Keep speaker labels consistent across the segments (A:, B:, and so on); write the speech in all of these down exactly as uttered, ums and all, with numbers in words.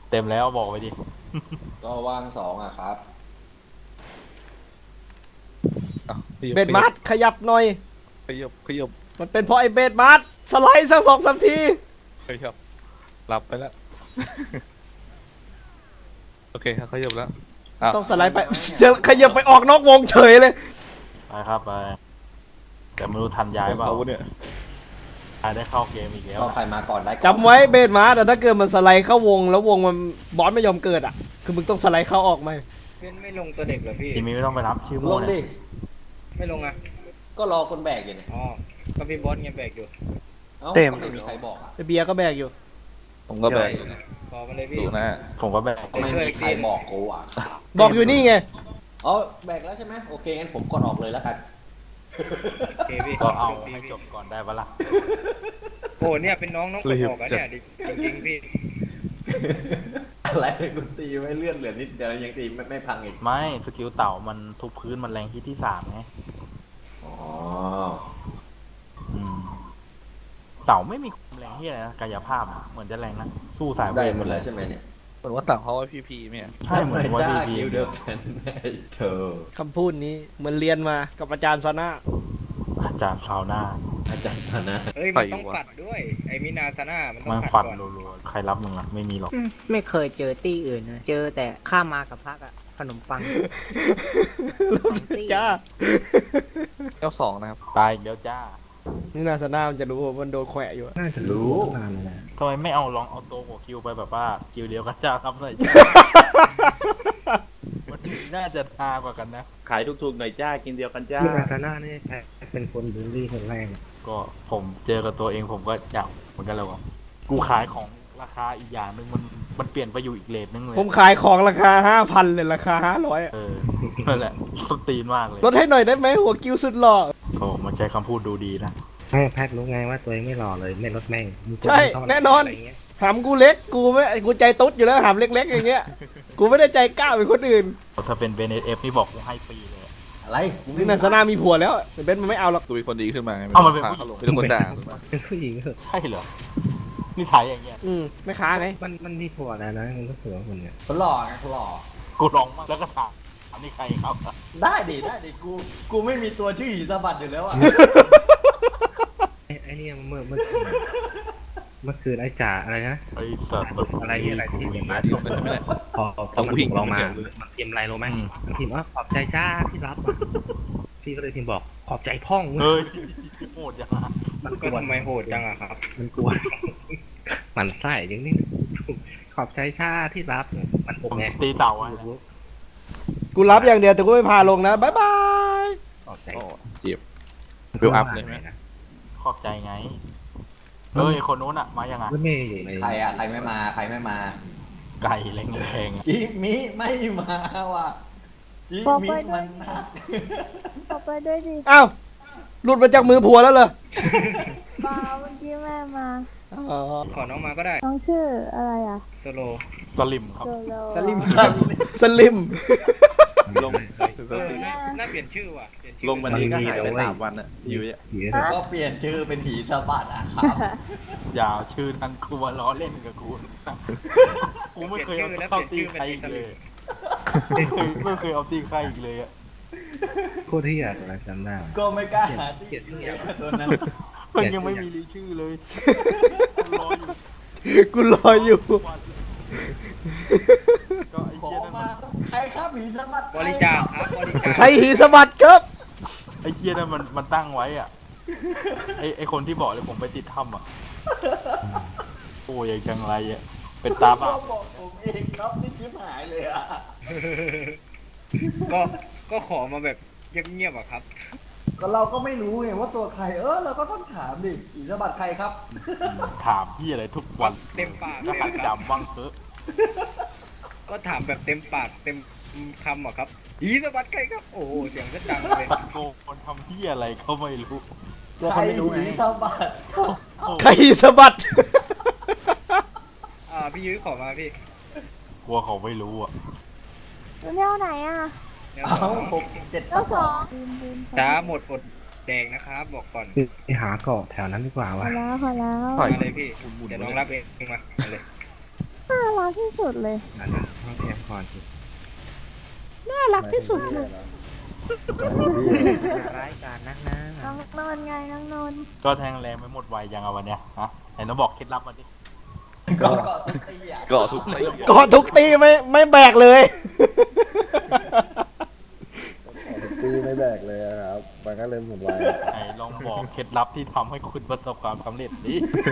A: เต็มแล้วบอกไปดิ
B: ก็ว่างสองอ่ะครับ
C: อ่ะขยับ
D: เบดมาร์ขยับหน่อย
C: ขยับขยับ
D: มันเป็นเพราะไอ้เบดมาร์สไลด์สักสองสามที
C: ขยับหลับไปแล้ว โอเคครับขยับแล้วอ่ะ
D: ต้องสไลด์ไปจะขยับไปออกนอกวงเฉยเลย
A: ไปครับไปแต่ไม่รู้ทันย้ายเปล่า
C: เขาเนี่ย
A: ย้ายได้เข้าเกมอีกแล้ว
B: ก็ใครมาก่อนได้ก่อน
D: จำไว้เบดมาร์แต่ถ้าเกิดมันสไลด์เข้าวงแล้ววงมันบอสไม่ยอมเกิดอ่ะคือมึงต้องสไลด์เข้าออกมา
E: เพื่อนไม่ลงตัวเด็กเหรอพี่
A: ทีนี้ไม่ต้องไปรับชื่อ
B: ล
A: มั่ว
B: ง
A: เนี่
B: ดิ
A: ย
E: ไม่ลงอ่ะ
B: ก็รอคนแบกอยู่เนี่ย
E: อ๋อก็พี่บอสเงี้ยแบกอยู่
B: เอ้า
F: เต็ม
B: ก็ไม่มีใครบอกอ่ะ
D: ไอ้เบียร์ก็แบกอยู่
C: ผมก็แบกอยู่นะ
E: ขอมาเลยพี่
C: ดูนะ
A: ผมก็แบก
B: ก็ไม่มีใครบอกกูอ่ะ
D: บอกอยู่นี่ไง
B: อ๋อแบกแล้วใช่ไหมโอเคงั้นผมกดออกเลยแล้วกัน
E: โอเคพี่
A: ก็เอา
E: พี่
A: ให้
E: พี่
A: จบก่อนได้ปะล่ะ
E: โอ้เนี่ยเป็นน้องน้องกดออกอะเนี่ยดิจริงๆพี่
B: อะไรกูตีไม่เลื่อนเหลือนิดเดียวยังตีไม่ไม่พังอีก
A: ไม่สกิลเต่ามันทุบพื้นมันแรงที่ที่สามไง
B: อ๋อ
A: อืมเต่าไม่มีความแรงที่อะไรนะกายภาพอะเหมือนจะแรงนะสู้สายเว
B: ได้
A: ท
B: หมดแล้วใช่ไหมเนี่ย
C: เหมือนว่าต่างเขาว่าพีพีเนี่ย
A: ใช่เหมือนว่า
B: จ้า
A: พี
B: คิว
A: พี
B: เดียวกันไอ้เธอ
D: คำพูดนี้เหมือนเรียนมากับอาจารย์ซาน่า
A: อาจารย์ซาวน่า
B: อาจารย์สนะ
E: เอ้ยมันต้องปัดด้วยไอ้มินาซาน่ามันต้อ
A: มั
E: ง
A: น
E: ปัด
A: ฟัน
E: ก่อน
A: รัวๆใครรับมึงอ่ะไม่มีหรอก
F: อืมไม่เคยเจอตี้อื่นนะเจอแต่ข้ามมากับพักอะขนมปังสองตี้
D: จ้า
C: เจ้าสองนะครับ
A: ตายอีกแล้วจ้า
D: นี่นาซาน่ามันจะรู้ว่ามันโดนแขวะอยู่อะ
F: น่าจะรู้นานแล้ว
A: ทำไมไม่เอาลองเอาตัวหัวคิวไปแบบว่าคิวเดียวกันจ้าครับหน่อย มันน่าจะทากว่ากันนะ
G: ขายถูกๆหน่อยจ้า กินเดียวกันจ้า
F: พี่นาตาน่านี่แพ้เป็นคนบูลลี่คนแรกอะ
A: ก็ผมเจอกับตัวเองผมก็อยากเหมือนกันเลยว่ากูขายของราคาอีกอย่างหนึ่งมันมันเปลี่ยนไปอยู่อีกเลทนึงเลย
D: ผมขายของราคาห้าพันเลยราคาห้าร้อย
A: เออนั่นแหละสตีนมากเลย
D: ลดให้หน่อยได้ไหมหัวกิ้วสุดหล่อ
A: โอ้มันใช้คำพูดดูดีนะ
F: ให้แพทย์รู้ไงว่าตัวเองไม่หล่อเลยไม่ลดแม่งมีค
D: ใช่
F: เท่าไหร่
D: แน่นอน
F: ะไรเงี้ย
D: หามกูเล็กกูไม่กูใจตุ๊ดอยู่แล้วหามเล็กๆอย่างเงี้ยกูไม่ได้ใจกล้าเป็นคนอื่น
A: ถ้าเป็นเบนเอฟนี่บอกกูให้ฟรีเลยอะ
B: อะไรกูไม่
D: นี่นาซาน่ามีผัวแล้วแต่เบนมันไม่เอาหรอก
C: ตัวเป็นคนดีขึ้นมาไง
A: เอ้ามันเป็น
C: พ
A: ผู้หญิง
C: เขาลงเป็นคนด่าถูกไหม
F: เป็นผู้หญิงเหรอ
A: ใช่เหรอนี่ถ่ายอย่างเงี้ย
D: อืมไม่ค้าไง
F: มันมันมีผัวแล้วนะมันก็เสือคนเนี้ย
B: คนหล่อไงคนหล่อ
A: กูลองมากแล้วก็ถามอันนี้ใครครับ
B: ได้ดิได้ดิกูกูไม่มีตัวชื่อหีสะบัดอยู่แล้วอ่ะ
F: ไอ้ไอ้เนี่ยเมื่อเมื่อคืนเมื่อคืนไอ้จ่าอะไรนะ
A: ไอ้สัตว์
F: อะไรอะไรที่เห็นมา
C: ลงไปใช่ไหมเนี่ย
F: พอพอมัน
C: ผู้หญิ
F: ถู
C: ง
F: กเรามา
C: เดี๋ยว
F: มันพิมพ์อะไรรู้ไหมมันพิมพ์ว่าขอบใจจ้าที่รับอะพี่ก็เลยพิมพ์บอกขอบใจพ่อง
A: เฮ้ยโหดจังอะ
F: มันก
E: ก็
F: วน
E: ทำไมโหดจังอะครับ
F: มันกวนมันไส้อย่างนี้ขอบใจชาที่รับมัน
A: ผ
F: อก
A: ม
F: ไง
A: ตีเต่าอะ
D: กูรับอย่างเดียวแต่กูไม่พาลงนะบายบาย
F: ขอบใจ
C: โอ้เจ็บ Build up เลยไหม
F: นะ
A: ขอบใจไงเฮ้ยคนนู้นอะมายังไง
F: รถเมย์อยู่ใน
B: ใครอ่ะใครไม่มาใครไม่มา
A: ไก่แรงๆอะ
B: จิมิไม่มาว่ะจิมิมันนัก
H: ขอไปด้วยดิ
D: อ้าวหลุดมาจากมือผัวแล้วเหรอ
H: เปล่าเมื่อกี้แม่มา
D: อ๋อ
E: ขอน้องมาก็ได้
H: น้องชื่ออะไรอ่ะ
E: โซโล
A: สลิมครับ
H: โซโล
D: สลิมสลิม
G: ลง
E: เออน่าน่าเปลี่ยนชื่อว่ะเปลี่ยนชื่อ
G: ลงวันนี้ก็หายไปสามวันอะอยู่เนี่ย
F: ผี
B: ก็เปลี่ยนชื่อเป็นหีสะบัดอ่ะครับ
A: อย่าเอาชื่อนั้นกูมาล้อเล่นกับกูนะกูไม่เคยเอาเข้าตีใครอีกเลยไม่เคยไม่เคยเอาตีใครอีกเลยอะ
F: โคตรที่อยากอะไรจำได้
B: ก็ไม่กล้าหาที่เดียวกับตัวนั้น
A: มันยังไม่มีรีชื่อเลยรออยู่
D: กูรออยู่
A: ก็ไอ้
B: ขอ
A: เหี้ยนั่น
B: มา
A: มัน
B: ใครครับหีสะบัด
E: บริจาคครับบริจาค
D: ใครหีสะบัดครับ
A: ไอ้เหี้ยนั่นมันมันตั้งไว้อ่ะไอ้ไอ้คนที่บอกเลยผมไปติดถ้ำอ่ะโอ้ยยังจังไรอ่ะเป็นตา
B: ก็
A: บ้า
B: บอกผมเองครับนี่ชิบหายเลยอ่ะ
E: ก็ก็ขอมาแบบเงียบๆอะครับ
B: ก็เราก็ไม่รู้ไงว่าตัวใครเออเราก็ต้องถามดิหีสะบัดใครครับ
A: ถามพี่อะไรทุกวัน
E: เต็มปาก
A: ก็
E: เลย
A: หัด
E: ครับ
A: จำบ้างเถอะ
E: ก็ถามแบบเต็มปากเต็มคำอะครับอีสวัสดิ์ใครครับ โอ้โหเสียงก็ดังเลย
A: โกคนทำพี่อะไรก็ไม่รู้
B: ใครหีสะบัด
D: ใครหีสะบัด
E: อ่าพี่ยุ้ยขอมาพี่
A: กลัวเขาไม่รู้อ่ะ
H: อยู่แนวไหนอ่ะ
E: เดี๋ยว
B: เอาหกเจ็ด
H: เจ้า
B: ส
H: ส
B: อ
H: อง งบินบิน
E: ช้าหมดอดแดงนะครับบอกก่อน
F: ไปหาเกาะแถวนั้นดีกว่า
H: พอ
F: วะ
H: แล้วพอแล้ว
C: ปล่อย
E: มาเลยพี่เดี๋ยวน้องรับเองมาเอาเลย
H: ห้าร้อยกที่สุดเลย
E: นั่นนะห้องแคมก่อนสิ
D: น่ารักที่สุดเลย
F: ร้ายกาจนักนะ
H: น้องนนท์ไงน้องนนท์
A: ก็แทงแรงไม่หมดไวยังเอาวันเนี้ยฮะไหนน้องบอกเคล็ดลับมาดิ
B: ก็ก็ตีอ่ะ
C: เกาะทุกตี
D: กอดทุกตีไม่ไม่แบกเลย
I: ตีไม่แบกเลยอะครับมันก็เลยหมุนไว
A: ไหนลองบอกเคล็ดลับที่ทำให้คุณประสบความสำเร็จดิ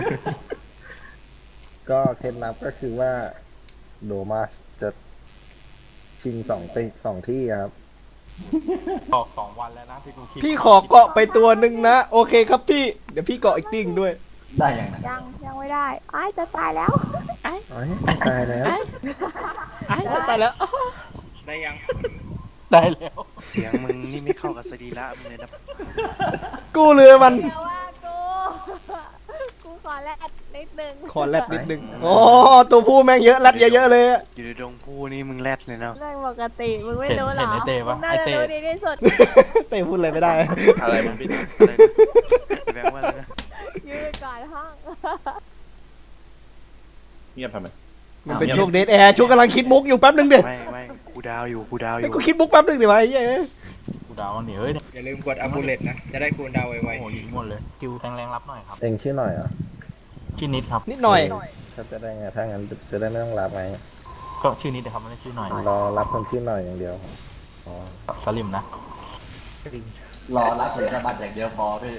I: ก็เคล็ดลับก็คือว่าโดมาสจะชิงสองตีสองที่ครับ
A: ตอกสองวันแล้วนะที่กูคิด
D: พี่ขอเกาะไปตัวหนึ่งนะ โอเคครับพี่ เดี๋ยวพี่เกาะอีกติ้งด้วย
B: ได้ยังไง
H: ยังยังไม่ได้อ้ายจะตายแล้ว
I: อ๋อตายแล้ว
D: ไอ้จะตายแล้ว
E: ได้ยัง
A: ได้แล้ว
G: เสียงมึงนี่ไม่เข้ากับสรีระมึงเลยนะ
D: กูเรือมัน
H: เดี๋ยวว่ากู กูขอแลดนิดนึง
D: ขอแรดนิดนึงอ๋อตัวผู้แม่งเยอะแรดเยอะๆเลยอะ
G: อยู่ในดงผู้นี่มึงแรดเลยเนาะ
H: เรื่องปกติมึงไม่
A: เห็น
H: รู้เหร
A: เห็น
H: อ
A: ไอเต้ปะ
H: มึงน่า
A: ไอ
H: จะ
A: เต้
H: รู้ดีที่สุด
D: เต้พูดอะไรไม่ได้
C: อะไรมันเป็น
G: อะไรนะแบงค์ว่าอะไรนะ
H: ยืนก่อนห้อง
G: เงียบทำไม
D: มันเป็นช่วงเดทแอร์ช่วงกำลังคิดมุกอยู่แป๊บนึงเดี๋ยว
G: ไม่ไม่กูดาวอยู่กูดาวอ
D: ไอ้
G: ยู่
D: กูคิดมุกแป๊บนึงเดี๋ยวไอ้เหี้ย
A: กูดาวมันหนีเฮ้ยเนี่ย
E: อย่าลืมกดอัพบูเลตนะ จะได้คูณดาวไว
A: โอ้โหยิงหมดเลยคิวแทงแรงรับหน่อยครับ
I: เองชื่อหน่อยเหรอ
A: ชื่อนิดครับ
D: นิดหน่อย
I: ถ้าจะได้ไงถ้างั้นจะได้ไม่ต้องรับไง
A: ก็ชื่อนิดนะครับไม่ได้ชื่อหน่อย
I: รอรับคนชื่อหน่อยอย่างเดียวอ๋อ
A: สลิมนะ
B: รอรับผลสมบัติอย่างเดียวพอพี่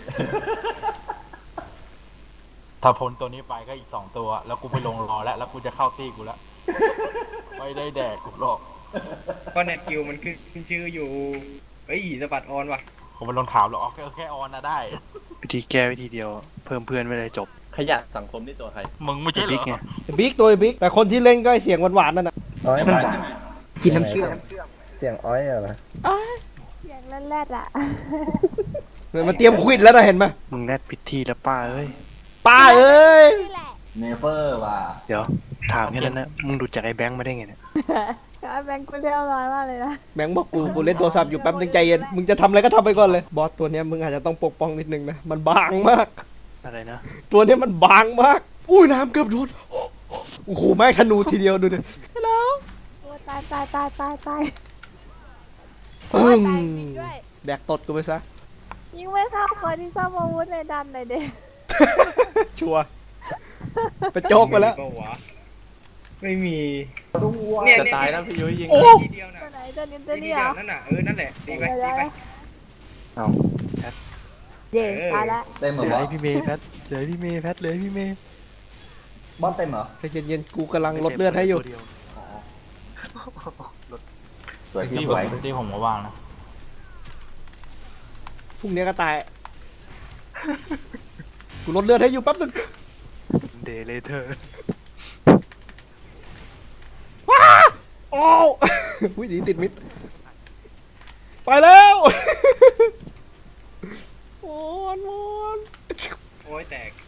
A: ถ้าพ้นตัวนี้ไปก็อีกสองตัว แล้วกูไปลงรอแล้ว แล้วกูจะเข้าตีกูแล้ว ไม่ได้แดกกูหรอก
E: ๆก็เน็ตกิวมันขึ้นชื่ออยู่เฮ้ยสะบัดออนว่ะ
A: ผมไปลงถามหรอกอ๋อแค่แค่ออนนะได้
G: วิธีแก้วิธีเดียว เพิ่มเพื่อนไม่ได้จบ
C: ขยะสังคมนี่ตัวใคร
A: มึงไม่ใช่เหร
G: บิ๊กไง
A: อ
D: บิ๊กตัวบิ๊กแต่คนที่เล่นก็ไอ้เสียงหวานๆนั่นน่ะ
I: อ้อย
F: กินน้ำเชื่อม
I: เสียงอ้อยเหรอ
H: เสียงแรดๆอ่ะ
D: มันเตรียมควิดแล้วนะเห็นไหม
G: มึงแรดพิธีแล้วป้าเอ้ย
D: ป้าเอ้ย
H: นี่แหละ
B: เนเฟอร์ว่ะ
G: เดี๋ยวถามแค่นั้นนะมึงดูจากไอ้แบงค์มาได้ไงเนี่ย
H: ไอ้แบงค์กูเรียบร้อยมากเลยนะ
D: แบงค์บอกกูกูเล่นโทรศัพท์อยู่แป๊บนึงใจเย็นมึงจะทำอะไรก็ทำไปก่อนเลยบอสตัวเนี้ยมึงอาจจะต้องปกป้องนิดนึงนะมันบางมาก
G: อะไรนะ
D: ตัวเนี้ยมันบางมาก อุ้ยน้ำเกือบโดนโอ้โหแม่งธนูทีเดียวดูดิแล้ว
H: โอ้ตายตายตายตายตาย
D: ปึ้ง
H: ตายจริงด้วย
D: แดกตดกูไปซะ
H: ยิงไม่เข้าคนที่ซ่อมอาวุธเลยดันเลยเด็ก
D: ชัวร์ไปโจกไปแล้ว
E: ม่มีเปาวะไม่มี
C: จะตายแล้วพี่ยุ้ยยิง
D: โอ้
E: ทีเดียวนะ
H: ตัวไหนตัวนี้ตั
E: ที
H: ว
E: เดี
H: นี้
E: ย
H: เหร
E: ว
H: อ
E: นั่นน่ะเออนั่นแหละตีไปตีไป
G: เอาแพท
H: เย่ตายละ
B: เต็มเหร
G: เห
B: อ
G: ลือบ
B: อ
G: ให้
B: ส
G: พี่เมย์แพทเหลือให้พี่เมย์แพทเหลือให้พี่เมย์
B: บอสเต็มเหรอ
D: ใจเย็นๆกูกำลังลดเลือดให้อยู่
G: ตัวเดีว
B: สวยพี่
A: ที่
B: ส
A: ผม
B: วย
A: ที่ผมก็ว่างนะ
D: พรุ่งนี้ก็ตาย กูลดเลือดให้อยู่แป๊บนึง
G: เดเลเธอร์
D: โอ้ว อุ้ยหนีติดมิด ไปแล้ว โอนโอน
E: โอ้ยแตก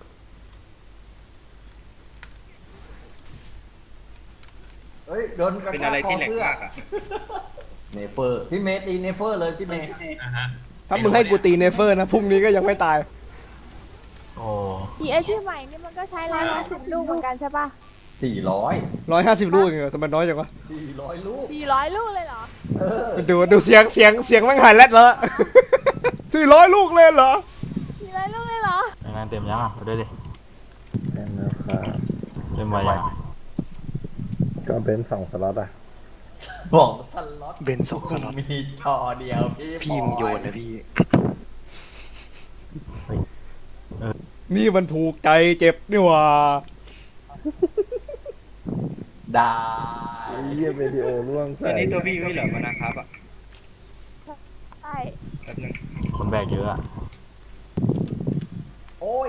B: เฮ้ยโดนกระ
E: เป็น
B: ชา
E: อะไร
B: กคอ
E: ที่แหลก
B: เสื้อ
E: มากอ่ะ
B: เนเฟอร์พี่เมย์ตีเนเฟอร์เลยพี่เมย์
D: ถ้ามึงให้กูตีเนเฟอร์นะพรุ่งนี้ก็ยังไม่ตาย
A: โอ้
H: อีไอที่ใหม่นี่มันก็ใช้ร้อยห้าสิบลูกเหมือนกันใช่ปะ
B: สี่ร้อย
D: ร้อยห้าสิบลูกเองเหรอทำไมน้อยจังวะ
B: สี่ร้อยลูก
H: สี่ร้อยลูกเลยเหรอ
B: เออ
D: ดูดูเสียงเสียงเสียงแม่งหายแรดแล้ว สี่ร้อยลูกเลยเหรอ
H: สี่ร้อยลูกเลยเหรอ
A: งานเต็มยังอ่ะดูด้วยดิ
I: เต็มแล้วครับ
A: เต็มไวยัง
I: ก็เป็นสองสล็อตอ่ะ
B: บอกสล็อต
G: เบนสองสล็อต
B: มีจอเดียวพี่
G: พี่มึงโยนนะพี่
D: นี่มันถูกใจเจ็บนี่หว่า
B: ได้
I: ไอ้เยี่ยวิดีโอร่วง
E: อั
I: ใส่
E: นนี้ตัวพี่ไม่เหรอมานะครับอ่ะ
H: ใช่
E: แป๊บนึง
A: คนแบกเยอะอะ
B: โอ้ย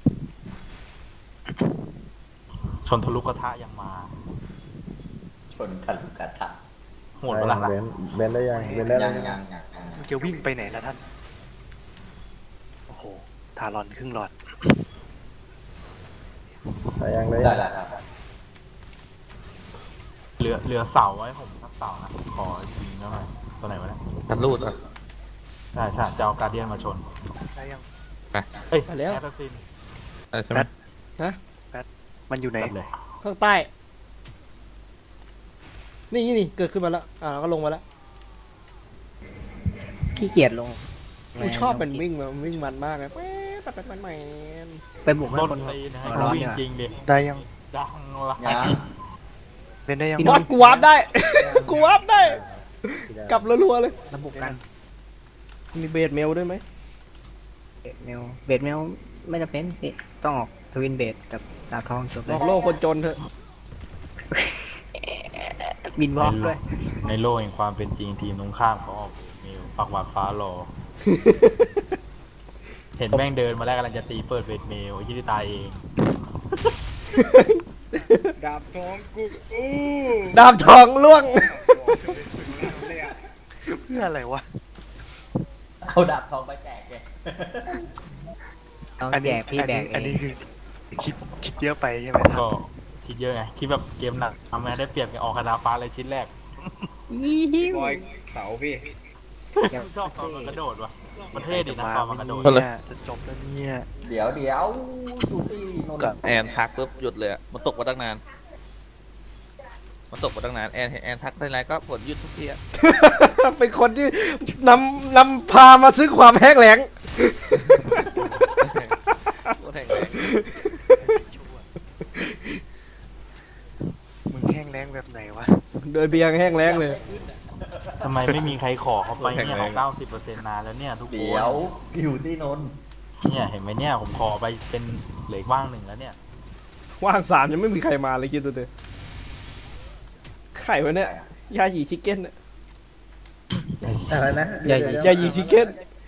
A: ชนทะลุกระทะยังมา
B: ชนกันลูกกระชาก
A: โหดเวลา
I: เบนเบนได้ยังเบนได้
B: ยั
I: ยัง
B: งยังยังยัง
G: มึงจะวิ่งไปไหนล่ะท่าน โอ้โห ทารอนครึ่งหลอด
I: ได้ยังได้
B: ได้
I: ยัง
B: แล้วครับ
A: เหลือเหลือเสาไว้ผมสักเสานะขอยิงหน่อยตัวไหนวะเนี่ย
C: กันรูดอ่ะ
A: ใช่ใช่จะเอาการเดียนมาชน
G: ได้ยัง
A: เอ้ย
D: ไปแล้ว
A: แอสซัสซิน
C: อะไรใช่ไหม
G: มันอยู่ไหน
A: จัดเลย
D: ข้างใต้นี่นี่เกิดขึ้นมาแล้วอ่าแล้วก็ลงมาแล้ว
F: ขี้เกียจลง
D: กูชอบเป็นวิ่งมันวิ่งมันมากเลยแป๊บแป๊บแป๊บแป๊บแป๊บ
F: ไปบุกให้
A: ต้น
F: คน
A: ตีนะ
F: ร้อน
A: วิ่ง
F: เนี่ย
A: จริงดิ
G: ได้ยัง
A: ดังละ
B: อย่า
G: เล่นได้ยัง
D: บอสกูวาร์ปได้ กูวาร์ปได้ กลับรัวๆเลย
F: ระบุกกัน
D: มีเบสเมลด้วยไหม
F: เบดเมลเบดเมลไม่จำเป็นพี่ต้องออกทวินเบดกับดาวทองจบ
D: ห
F: เล
D: ล
F: ย
D: อกโลกคนจนเถอะ
F: บินวอล์กด้วย
A: ในโลกแห่งความเป็นจริงทีมตรงข้ามเขาออกเมลปักหวาดฟ้ารอ เห็นแม่งเดินมาแล้วกำลังจะตีเปิดเวทเมลไอ้ที่ตายเอง
E: ดาบทองกูกู
D: ดาบทองล่วง
E: เลยอะ
G: เพื่ออะไรวะ
B: เอาดาบทองไปแจกแก
F: ต้อง
G: อัน
F: แจ
G: นี้
F: กพี่
G: อัน
F: แบ
G: นี้
F: กเอ
G: อัน
F: ง
G: นี้คือคิดคิดเยอะไปใช่ไหมครั
A: ก็
G: บ
A: คิดเยอะไงคิดแบบเกมหนักทำไงได้เปรียบไงออกคาถาฟ้าเลยชิ้นแรก
E: บอยเสาพี่
A: ชอบตอนมันกระโดดว่ะมันเท่ดีนะ
G: มา
A: ตอนมันกระโดด
G: เนี่ยจะจบแล้วเนี่ย
B: เดี๋ยวเดี๋ยวดูตีนน
J: กับ
B: ท์
J: แอนทักปุ๊บหยุดเลยอะมันตกมาตั้งนาน มันตกมาตั้งนานแอนเห็นแอนทักได้ไรก็ผลหยุดทุกทีอะ
D: เป็นคนที่นำนำพามาซื้อความแห้งแล้ง
J: โคตรแข็งแรง
G: มึงแห้งแรงแบบไหนวะ
D: โดยเบียงแห้งแล้งเลย
A: ทำไมไม่มีใครขอเขาไปเนี่ยเขาเก้าสิบเปอร์เซ็นต์นานแล้วเนี่ยทุกคน
B: เดี๋ยวกิวตีนนท์
A: เนี่ยเห็นไหมเนี่ยผมขอไปเป็นเหลืออกว่างหนึ่งแล้วเนี่ย
D: ว่างสามยังไม่มีใครมาเลยคิดดูดิไข่วะเนี่ยยาหยีชิคเก้นเนี่ย
I: อะไรนะ
F: ใหญ่
D: ยาหยีชิคเก้น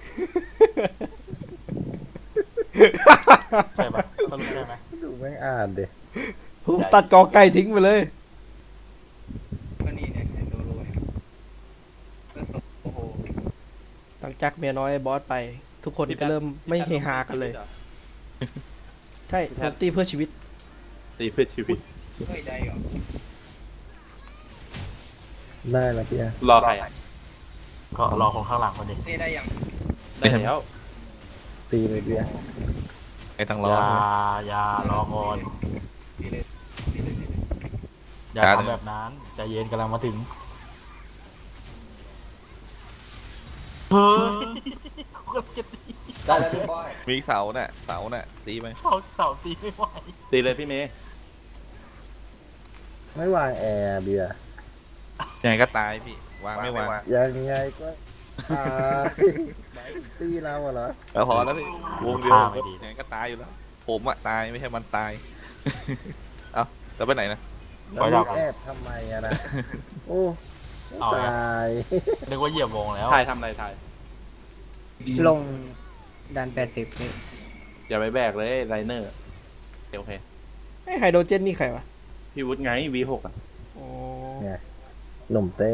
A: ใช่ปะสรุปใช่ไหม
I: ดูแม่งอ่านเด็
D: ผมตัดกอไก่ทิ้งไปเลย
E: ก็นี่เนี่ยไอ้ตัวรวยแล้วศพโอ้โห
D: ตั้งจักเมียน้อยบอสไป ทุกคนก็เริ่มไม่เฮฮากันเลย ใช่ผมตีเพื่อชีวิต
C: ตีเพื่อชีวิต
E: เฮ้ยได้เหรอ
I: ได้ละพี่อะ
C: รอใครอ่ะ
A: ก็รอคนข้างหลังคนนี้
E: นี่ได้ยัง
C: ได้แล้ว
I: ตีเลยพี่อะ
J: ไอ้ตั้ง
A: อ
J: รอ
A: ย่าอย่ารอก่อน
E: นี่เลยนี่เลยนี่เลย
A: อย่าทำแบบนั้นใจเย็นกำลังมาถึงเฮ้ยกูกำลังจะตี
B: ได้แล้วพี่บอย
J: มีเสาน่ะเสาน่ะตีไหม
A: เขาเสาตีไม่ไหว
C: ตีเลยพี่เมย์
I: ไม่วางแอร์เบียร์
J: ยังไงก็ตายพี่วางไม่วาง
I: ยังไงก็ตายตีเราอะเหรอ
J: แล้วพอแล้วพี่วงเดียว
A: ท่าไม่ดี
J: ยังไงก็ตายอยู่แล้ว ผมอะตายไม่ใช่มันตาย เอ้าแล้วไปไหนนะ
I: แล้วลูกแอบทำไมอะนะโอ้ตาย
A: นึกว่าเหยียบวงแล้ว
C: ทายทำอะไรทาย
F: ลงดันแปดสิบนี่
C: อย่าไปแบกเลยไลเนอร์โอเค
D: ไอไฮโดรเจนนี่ใครวะ
C: พี่วุฒิไง วี หก อ่ะ
D: อ๋อ
I: เนี่ยหนุ่มเต้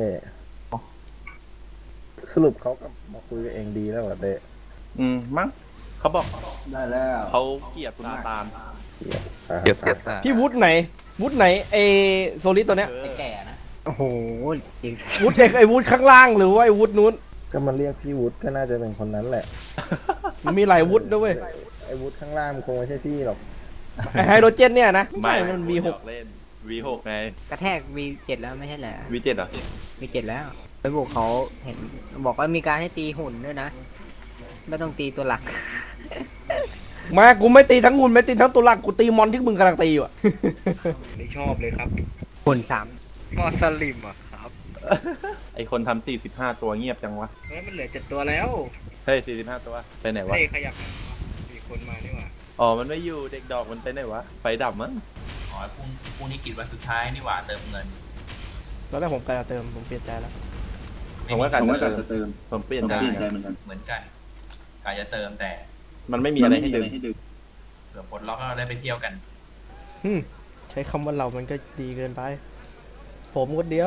I: สรุปเขากับมาคุยกับเองดีแล้วเหรอเต้
C: อืม มั้งเขาบอก
B: ได้แล้ว
C: เขาเกลียดซาตาน
I: อ่ะ
J: เก็บเก็บตา
D: พี่วุฒไหน วุฒไหนไอโซลิดตัวเนี้ย
B: ไอ้แก่นะ
F: โอ้โหจริง
D: วุฒเอกไอวุฒข้างล่างหรือว่าไอวุฒนู้น
I: ก็มันเรียกพี่วุฒิก็น่าจะเป็นคนนั้นแหละ
D: มันมีหลายวุฒด้วยเว้ย
I: ไอ้วุฒิข้างล่างมันคงไม่ใช่พี่หรอก
D: ไอไฮโดรเจนเนี่ยนะไม่ใช่มัน วี หก
C: เล่น วี หก ไง
F: กระแทก วี เจ็ด แล้วไม่ใช่เหรอ
C: วี เจ็ด อ่ะ
F: วี เจ็ด แล้วไปบุกเขาเห็นบอกว่ามีการให้ตีหุ่นด้วยนะ ไม่ต้องตีตัวหลัก
D: มากูไม่ตีทั้งหุ่นไม่ตีทั้งตัวหลักกูตีมอนที่มึงกำลังตีอยู่อะ
E: ไม่ชอบเลยครับ
F: หุ่นสาม
E: มอสลิมอ่ะครับ
C: ไอคนทำสี่สิบห้าตัวเงียบจังวะ
E: เฮ้ยมันเหลือเจ็ดตัวแล้ว
C: เฮ้ยสี่สิบห้าตัว ไปไหนวะ
E: เฮ้ยขยับมีคนมานี่หว่า
C: อ๋อ มันไม่อยู่ เด็กดอกมันไปไหนวะ ไฟดับมั้ง
K: อ๋อพรุ่งพรุ่งนี้กิจวันสุดท้ายนี่หว่าเติมเงิน
D: ตอนแรกผมกะจะเติมผมเปลี่ยนใจแล้ว
C: ผมว่าการจะเติม ผมเปลี่ยนใจ
K: เหมือนกันกายจะเติมแต่
C: มันไม่มีอะไรให้ดึง
K: เผื่อปลดล็อกแล้วเราได้ไปเที่ยวกัน
D: อืมใช้คำว่าเรามันก็ดีเกินไป ผมคนเดียว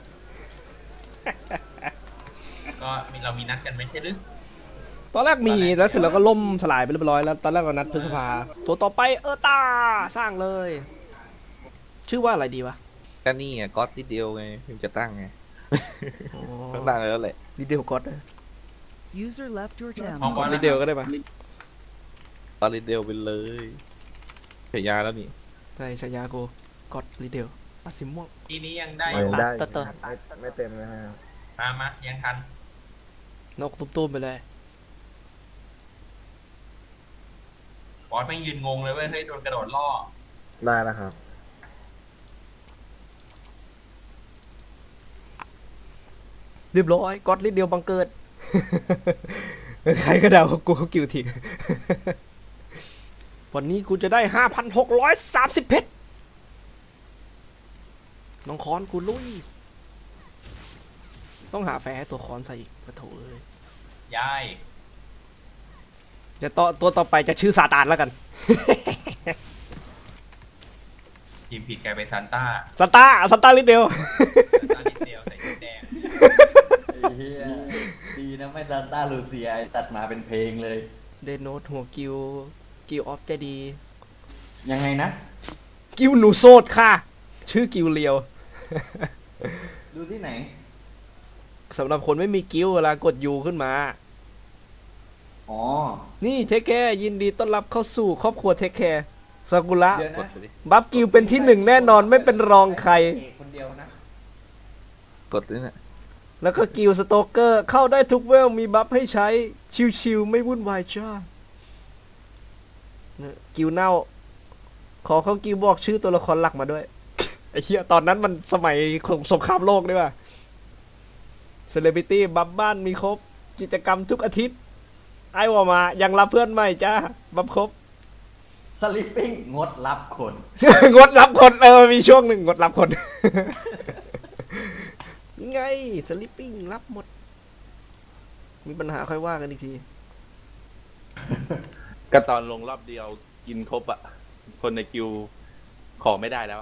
K: ก็มีเรามีนัดกันไม่ใช่หรือ
D: ตอนแรกมีแล้วเสร็จแล้วก็ล่มสลายไปเรียบร้อยแล้วตอนแรกก็นัดพฤษภาตัวต่อไปเออตาสร้างเลย ชื่อว่าอะไรดีวะ
J: ก็นี่ไงก็อดซิเดียวไงถึงจะตั้งไงต้องตั้งแล้วแหละ
D: ดีเดลก็อด
L: User left your
K: พร้อม
L: channel.
K: ก่อน
D: ดี
K: นะ
D: เดลก็ได้ปะ
J: ตอนลิเดียวไปเลยฉายาแล้วนี่
D: ใช่ฉายากูก็อดดีเดลไปอ่ะสีม่วง
K: ทีนี้ยังได้
I: ยังได้
D: เติร์ดเติร์ด
I: ไม่ไม่เต็มนะครับ
K: มามายังทัน
D: นกตุ้มๆไปเลย
K: บอสไม่งยืนงงเลยเว้ยเฮ้ยโดนกระโดดล่อ
I: ได้แล้วครับ
D: เรียบร้อยก๊อตลิดเดียวบังเกิด ใครก็เดาเขากูเขากิวทิ้ง วันนี้กูจะได้ห้าพันหกร้อยสามสิบเพชรน้องคอนกูลุยต้องหาแฟร์ให้ตัวคอนใส่อีกปะโถเอ้ย
K: ยาย
D: เดี๋ยวต่อตัวต่อไปจะชื่อซาตานแล้วกัน
K: ทีมผิดกลายเป็นซานต้า
D: ซาตาซาตาลิดเดียว
K: ซานต้านิดเดียวใส่ชุดแดง
B: ไอ้เหี้ยดีนะไม่ซานต้าลูเซียไอ้ตัดมาเป็นเพลงเลย
D: เดนโนตหัวกิวกิวออฟใจดี
B: ยังไงนะ
D: กิวหนูโซดค่ะ ชื่อกิวเลียว
B: ดูที่ไหน
D: สำหรับคนไม่มีกิวเวลากดยูขึ้นมา
B: อ๋อ
D: นี่เทคแคร์ยินดีต้อนรับเข้าสู่ครอบครัวเทคแคร์ซากุระ
B: เดี๋ยว
C: ก
B: นะ
C: ดไปดิ
D: บัฟกิวเป็นที่หนึ่งแน่นอนไม่เป็นรองใคร
B: เอกคนเดียวนะ
C: กดนี่แหละ
D: แล้วก็กิวสโตเกอร์เข้าได้ทุกเวลมีบัฟให้ใช้ชิวๆไม่วุ่นวายจ้าเนี่ยกิวเน่า ขอเขากิวบอกชื่อตัวละครหลักมาด้วย ไอ้เหี้ยตอนนั้นมันสมัยสงครามโลกด้วยว่ะเซเลบริตี้บัฟบ้านมีครบ กิจกรรมทุกอาทิตย์ ไอ้ว่ามายังรับเพื่อนใหม่จ้าบัฟครบ
B: สลิปปิ้งงดรับคน
D: งดรับคนเออมีช่วงหนึ่งงดรับคน ไงสลิปปิ้งรับหมด มีปัญหาค่อยว่ากันอีกที
C: ก็ตอนลงรอบเดียวกินครบอะคนในกิวขอไม่ได้แล้วอะ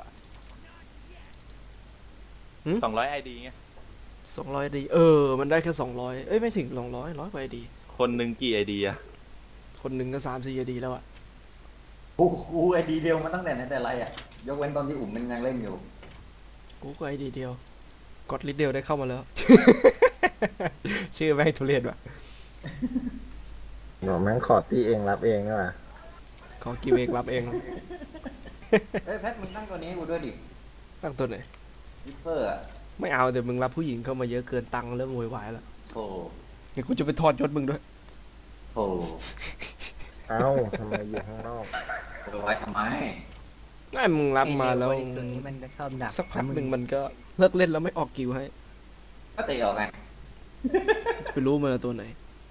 D: หืม
C: สองร้อยไอดีไง
D: สองร้อยดีเออ มันได้แค่สองร้อยเอ้ยไม่ถึงสองร้อยร้อยกว่าดี
C: คนหนึ่งกี่ไอดีอะ
D: คนหนึ่งก็สามสี่ดีแล้วอะ
B: กูกูไอดีเดียวมาตั้งแต่ไหนแต่ไรอ่ะ ยกเว้นตอนที่อุ่มมันยังเล่นอยู่
D: กูก็ไอดีเดียว กดลิดเดียวได้เข้ามาแล้ว ชื่อแม่งทุเรศว่ะ
I: หนูแม่งขอตีเองรับเองนี่หว่า
D: ขอกิวเองรับเอง
B: เฮ้ยแพทมึงตั้งตัวนี้ให้กูด้วยดิ
D: ตั้งตัวไหน
B: วิปเปอร์อ่ะ
D: ไม่เอาเดี๋ยวมึงรับผู้หญิงเข้ามาเยอะเกินตังค์เริ่มโวยวายแล้ว
B: โธ่
D: เดี๋ยวกูจะไปถอดยศมึงด้วย
B: โธ่
I: เอ้าทำไมอยู่ข้างนอก
B: เอาไว้ทำไม
D: ง่ายมึงรับมาแล้ว
F: ไอ้เด็กบริสุทธิ์นี้มันจะชอบดัก
D: สักพักหนึ่งมันก็เลิกเล่นแล้วไม่ออกกิวให้
B: ก็เตะออกไง
D: ไปรู้มันตัวไหน